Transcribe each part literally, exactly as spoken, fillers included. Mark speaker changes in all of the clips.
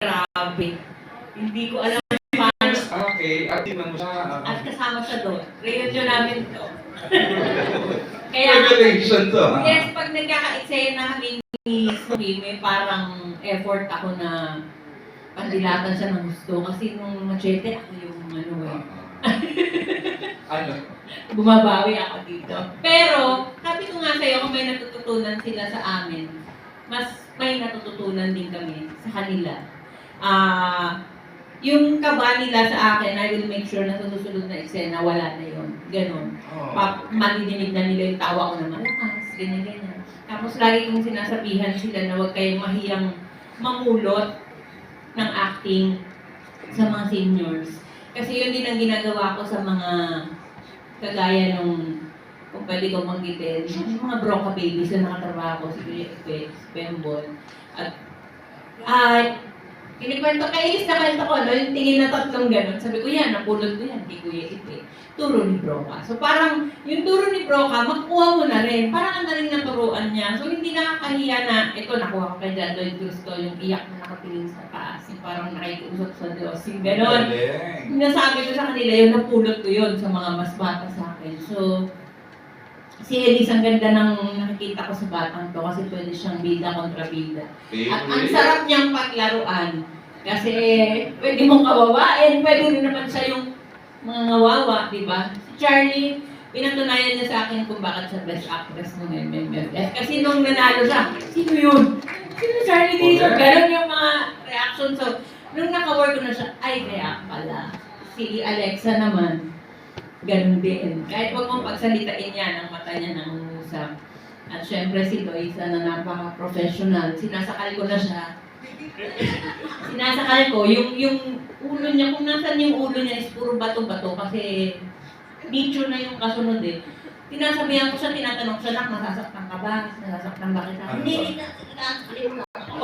Speaker 1: grabe. Hindi ko alam paano.
Speaker 2: Okay, at tingnan mo siya.
Speaker 1: At kasama siya doon. Reunion namin to. Kaya,
Speaker 2: Revelation to, ha?
Speaker 1: yes, pag nagkaka-eksena kami ni Sophie, may parang effort ako na pandilatan siya ng gusto. Kasi nung machete, ako yung ano eh.
Speaker 2: Ano?
Speaker 1: Bumabawi ako dito. Pero, sabi ko nga sa'yo, kung may natututunan sila sa amin, mas may natututunan din kami sa kanila. Ah, uh, yung kaba nila sa akin, I will make sure na sa susunod na eksena, wala na yun. Ganon.
Speaker 2: Oh.
Speaker 1: Pa- Madidinig na nila yung tawa ko na malakas, ganyan-ganyan. Tapos lagi kong sinasabihan sila na huwag kayong mahiyang mamulot ng acting sa mga seniors. Kasi yun din ang ginagawa ko sa mga kagaya nung, kung pwede kong manggitin, yung mga broca babies na nakatrabaho ko, si Kuya Epe, si Pembol. At, ah, kinikwento, kainis na kwento ko, no? Yung tingin na tatlong gano'n. Sabi ko, yan, napulot ko yan, kay Kuya Epe. Turo ni Broca. So parang, yung turo ni Broca, makuha mo na rin. Parang ang daling naturuan niya. So hindi nakakahiya na, ito, nakuha ko kay John Lloyd Cruz ko, yung iyak na nakapiling sa taas. Yung parang nakikiusap sa Diyos. Yung gano'n. Nasabi ko sa kanila, yung napulot ko yun sa mga mas bata sa akin. So, si Elise, ang ganda ng nakikita ko sa batang to kasi pwede siyang bida kontra bida. At ang sarap niyang paglaruan. Kasi pwede mong kawawain, pwede rin naman siya yung mga ngawawa, di ba? Si Charlie, pinatunayan niya sa akin kung bakit siya best actress ng M M F F. Kasi nung nanalo siya, sino yun? Sino Charlie dito? Ganon yung mga reaction. So, nung naka-work ko na siya, ay kaya pala. Si Alexa naman, ganun din. Kahit huwag mong pagsalitain yan, ang mata niya nangungusap. At syempre si Loisa na napaka-professional, sinasakal ko na siya. Sinasakal ko, yung, yung ulo niya, kung nasan yung ulo niya is puro bato-bato kasi nicho na yung kasunod eh. Tinasabihan ko siya, tinatanong siya, nak, nasasaktan ka ba? Nasasaktan ba kita? Hindi, hindi na, sinasakal mo ako.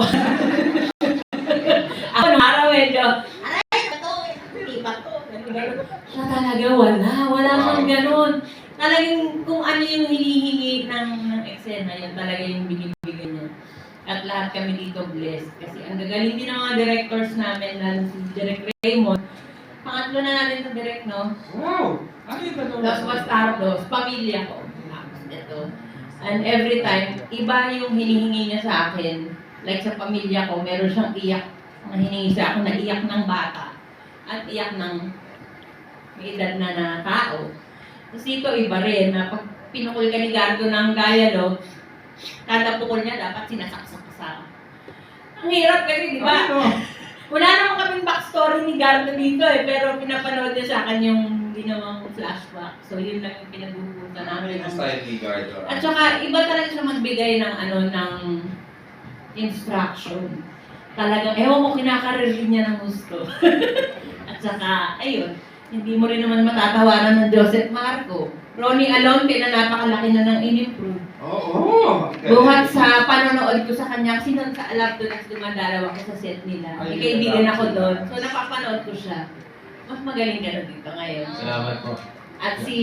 Speaker 1: Ako nung araw medyo, aray, bato, hindi bato. Siya talaga, wala. Wala siyang ganun. Talagang kung ano yung hinihingi ng, ng eksena, yun talaga yung binibigay niya. At lahat kami dito blessed. Kasi ang gagaling din ng mga directors namin, lalo si Direk Raymond. Pangatlo na natin sa direct, no?
Speaker 2: Wow! Ano yung dalawa?
Speaker 1: Los Bastardos, pamilya ko. Tapos ito. And every time, iba yung hinihingi niya sa akin. Like sa pamilya ko, meron siyang iyak na hinihingi sa akin na iyak ng bata. At iyak ng may edad na na tao. Tapos dito iba rin, na pag pinukul ka ni Gardo ng dialogue, kada pukul niya dapat sinasaksak ka sa. Ang hirap kasi, di ba? Wala naman kaming backstory ni Gardo dito eh, pero pinapanood niya sa akin yung ginawang flashback. So yun lang yung pinagbubutan namin.
Speaker 2: Ano yung style ni Gardo?
Speaker 1: At saka iba talaga siya magbigay ng ano, ng instruction. Talagang, ewan mo, kinakarerin niya ng gusto. At saka, ayun, hindi mo rin naman matatawaran ng Joseph Marco. Ronnie Alonte na napakalaki na ng in-improve.
Speaker 2: Oo! Oh,
Speaker 1: Buhat sa panonood ko sa kanya, kasi noon sa Alaptunas dumadalaw ako sa set nila. May kaibigan ako doon. So napapanood ko siya. Mas magaling ka na dito ngayon.
Speaker 3: Salamat po.
Speaker 1: At si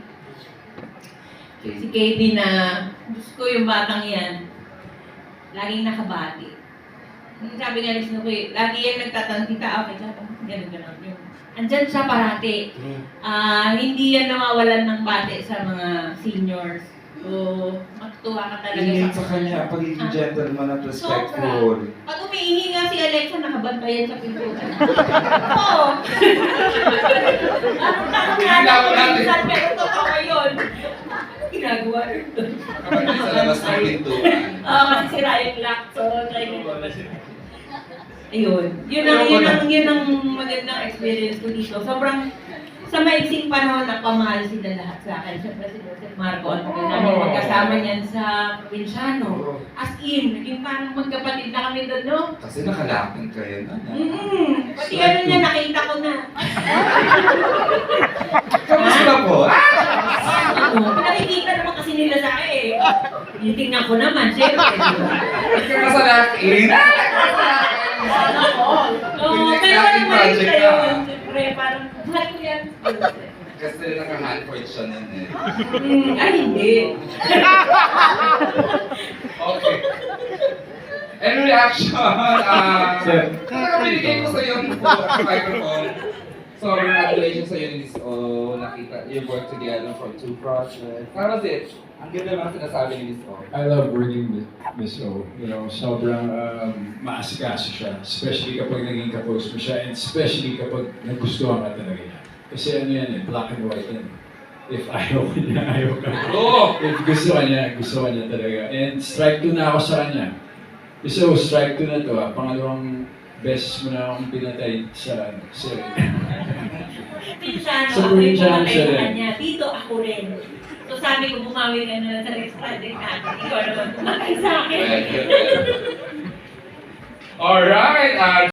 Speaker 1: si Katie na, gusto ko yung batang yan, laging nakabati. Sabi nga ni Snoopy, lagi yan nagtatantita, okay, gano'n gano'n yung andyan siya parati. Uh, hindi yan nawawalan ng bate sa mga seniors. So, matutuwa ka talaga
Speaker 2: Ingin sa kanya, pagiging gentleman at respectful.
Speaker 1: Sobra. Pag umiihi nga si Alexa, nakabantayan sa pintuan. Oo. Ano na minsan, pero totoo yun. Ano ginagawa rin doon?
Speaker 2: Kapag sa labas ng pintuan.
Speaker 1: Oo, kasi sira yung lock. So, try ko. Ayun. Yun ang, yun ang, yun ang magandang experience ko dito. Sobrang, sa maiksing panahon na pamahal sila lahat sa akin. Siyempre si Joseph Marco, ang tagal namin magkasama niyan sa Provinciano. As in, naging parang magkapatid na kami doon, no?
Speaker 2: Kasi nakalapin kayo na.
Speaker 1: Mm-hmm. Pati ano niya, nakita ko na.
Speaker 2: Kamusta po?
Speaker 1: Oo, nakikita naman kasi nila sa akin eh. Tinitingnan ko naman, syempre.
Speaker 2: Kamasalakin!
Speaker 1: Oo, pero parang mali siya yun. Siyempre, parang, mahal ko yan.
Speaker 2: Kasi naka-handpoint siya nun eh.
Speaker 1: Hmm, ay, hindi.
Speaker 2: Okay. And reaction, ah...
Speaker 3: Sir.
Speaker 2: Parang
Speaker 3: binigay ko sa'yo ang microphone. So, congratulations sa'yo ni Miss O. Nakita, you worked together for two projects. How was it? Ang ganda mga sinasabi ni Miss O.
Speaker 4: I love working with Miss O. You know, sobrang um, maasikaso siya. Especially kapag naging kapos mo siya. And especially kapag nagustuhan ka talaga niya. Kasi ano yan eh, black and white yan. If ayaw ka niya, ayaw ka.
Speaker 3: Oh!
Speaker 4: If gusto ka niya, gusto ka niya talaga. And strike two na ako sa kanya. So, strike two na to ah. Pangalawang beses mo na akong pinatay sa serie.
Speaker 1: Minsan,
Speaker 4: Sa
Speaker 1: ako yung
Speaker 4: probinsya
Speaker 1: pumatay
Speaker 4: siya
Speaker 1: sa
Speaker 4: rin.
Speaker 1: kanya. Dito ako rin. So sabi ko, bumawi ka na sa next project natin. Ikaw naman pumatay sa akin.
Speaker 3: Alright, uh,